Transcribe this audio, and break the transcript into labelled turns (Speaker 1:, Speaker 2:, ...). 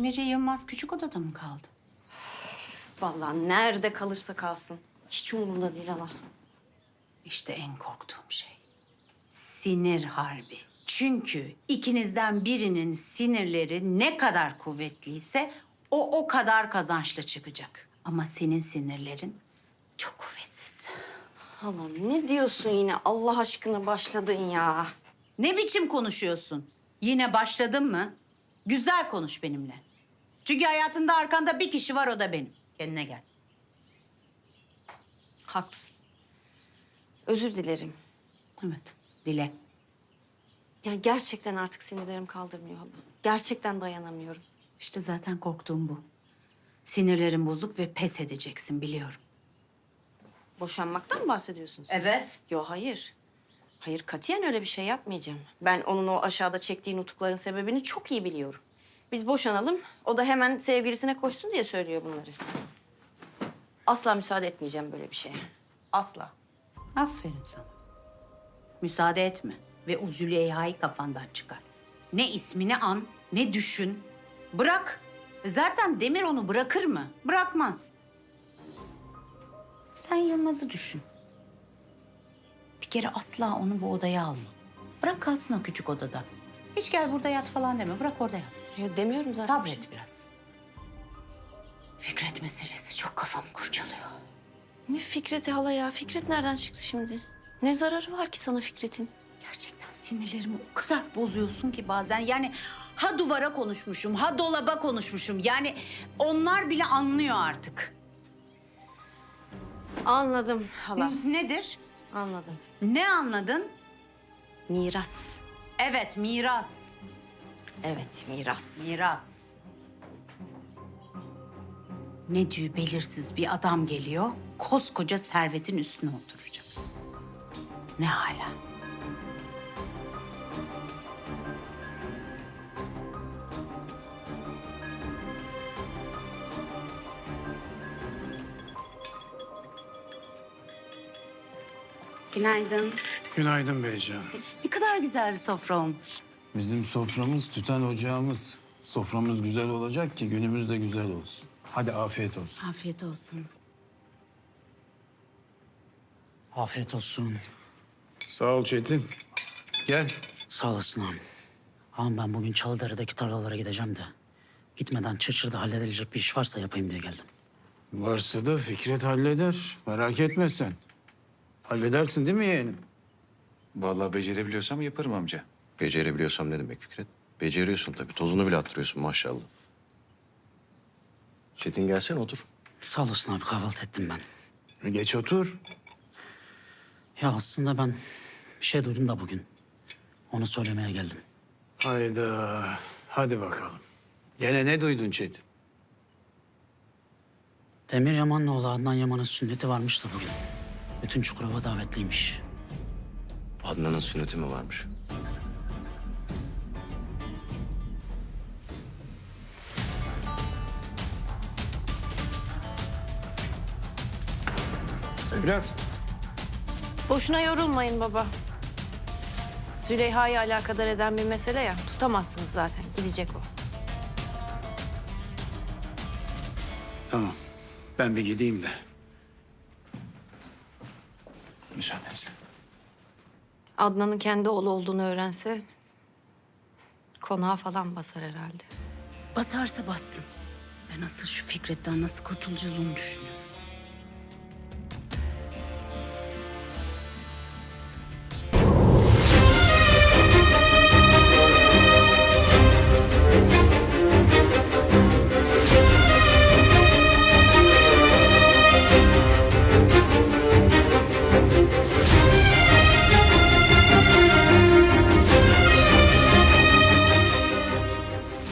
Speaker 1: Dün gece Yılmaz küçük odada mı kaldı?
Speaker 2: Vallahi nerede kalırsa kalsın. Hiç umurumda değil hala.
Speaker 1: İşte en korktuğum şey. Sinir harbi. Çünkü ikinizden birinin sinirleri ne kadar kuvvetliyse o kadar kazançlı çıkacak. Ama senin sinirlerin çok kuvvetsiz.
Speaker 2: Hala ne diyorsun yine Allah aşkına başladın ya.
Speaker 1: Ne biçim konuşuyorsun? Yine başladın mı? Güzel konuş benimle. Çünkü hayatında arkanda bir kişi var, o da benim. Kendine gel.
Speaker 2: Haklısın. Özür dilerim.
Speaker 1: Evet, dile.
Speaker 2: Ya gerçekten artık sinirlerim kaldırmıyor hala. Gerçekten dayanamıyorum.
Speaker 1: İşte zaten korktuğum bu. Sinirlerin bozuk ve pes edeceksin, biliyorum.
Speaker 2: Boşanmaktan mı bahsediyorsunuz?
Speaker 1: Evet.
Speaker 2: Yo hayır. Hayır katiyen öyle bir şey yapmayacağım. Ben onun o aşağıda çektiği nutukların sebebini çok iyi biliyorum. Biz boşanalım, o da hemen sevgilisine koşsun diye söylüyor bunları. Asla müsaade etmeyeceğim böyle bir şeye. Asla.
Speaker 1: Aferin sana. Müsaade etme ve o Züleyha'yı kafandan çıkar. Ne ismini an, ne düşün. Bırak. Zaten Demir onu bırakır mı? Bırakmaz. Sen Yılmaz'ı düşün. Bir kere asla onu bu odaya alma. Bırak kalsın o küçük odada. Hiç gel burada yat falan deme. Bırak orada yatsın.
Speaker 2: Ya demiyorum zaten. bir şey.
Speaker 1: Sabret biraz. Fikret meselesi çok kafamı kurcalıyor.
Speaker 2: Ne Fikret'i hala ya? Fikret nereden çıktı şimdi? Ne zararı var ki sana Fikret'in?
Speaker 1: Gerçekten sinirlerimi o kadar bozuyorsun ki bazen. Yani ha duvara konuşmuşum, ha dolaba konuşmuşum. Yani onlar bile anlıyor artık.
Speaker 2: Anladım hala.
Speaker 1: Nedir?
Speaker 2: Anladım.
Speaker 1: Ne anladın?
Speaker 2: Miras.
Speaker 1: Evet, miras.
Speaker 2: Evet, miras.
Speaker 1: Miras. Ne diyor belirsiz bir adam geliyor, koskoca servetin üstüne oturacak. Ne hala? Günaydın.
Speaker 3: Günaydın Beycan.
Speaker 1: Ne kadar güzel bir sofra olmuş.
Speaker 3: Bizim soframız tüten ocağımız. Soframız güzel olacak ki günümüz de güzel olsun. Hadi afiyet olsun.
Speaker 1: Afiyet olsun. Afiyet olsun.
Speaker 3: Sağ ol Çetin. Gel.
Speaker 4: Sağ olasın ağam. Ağam ben bugün Çalıdere'deki tarlalara gideceğim de... ...gitmeden Çırçır'da halledilecek bir iş varsa yapayım diye geldim.
Speaker 3: Varsa da Fikret halleder. Merak etme sen. Halledersin değil mi yeğenim?
Speaker 5: Vallahi becerebiliyorsam yaparım amca. Becerebiliyorsam ne demek Fikret? Beceriyorsun tabii. Tozunu bile attırıyorsun maşallah. Çetin gelsene otur.
Speaker 4: Sağ olasın abi, kahvaltı ettim ben.
Speaker 3: Geç otur.
Speaker 4: Ya aslında ben bir şey duydum da bugün. Onu söylemeye geldim.
Speaker 3: Hayda. Hadi bakalım. Gene ne duydun Çetin?
Speaker 4: Demir Yaman'la oğlu Adnan Yaman'ın sünneti varmış da bugün. Bütün Çukurova davetliymiş.
Speaker 5: Adnan'ın sünneti mi varmış?
Speaker 3: Evlat.
Speaker 2: Boşuna yorulmayın baba. Züleyha'yı alakadar eden bir mesele ya. Tutamazsınız zaten. Gidecek o.
Speaker 3: Tamam. Ben bir gideyim de.
Speaker 5: Müsaadenizle.
Speaker 2: Adnan'ın kendi oğlu olduğunu öğrense... ...konağa falan basar herhalde.
Speaker 1: Basarsa bassın. Ben asıl şu Fikret'ten nasıl kurtulacağız onu düşünüyorum.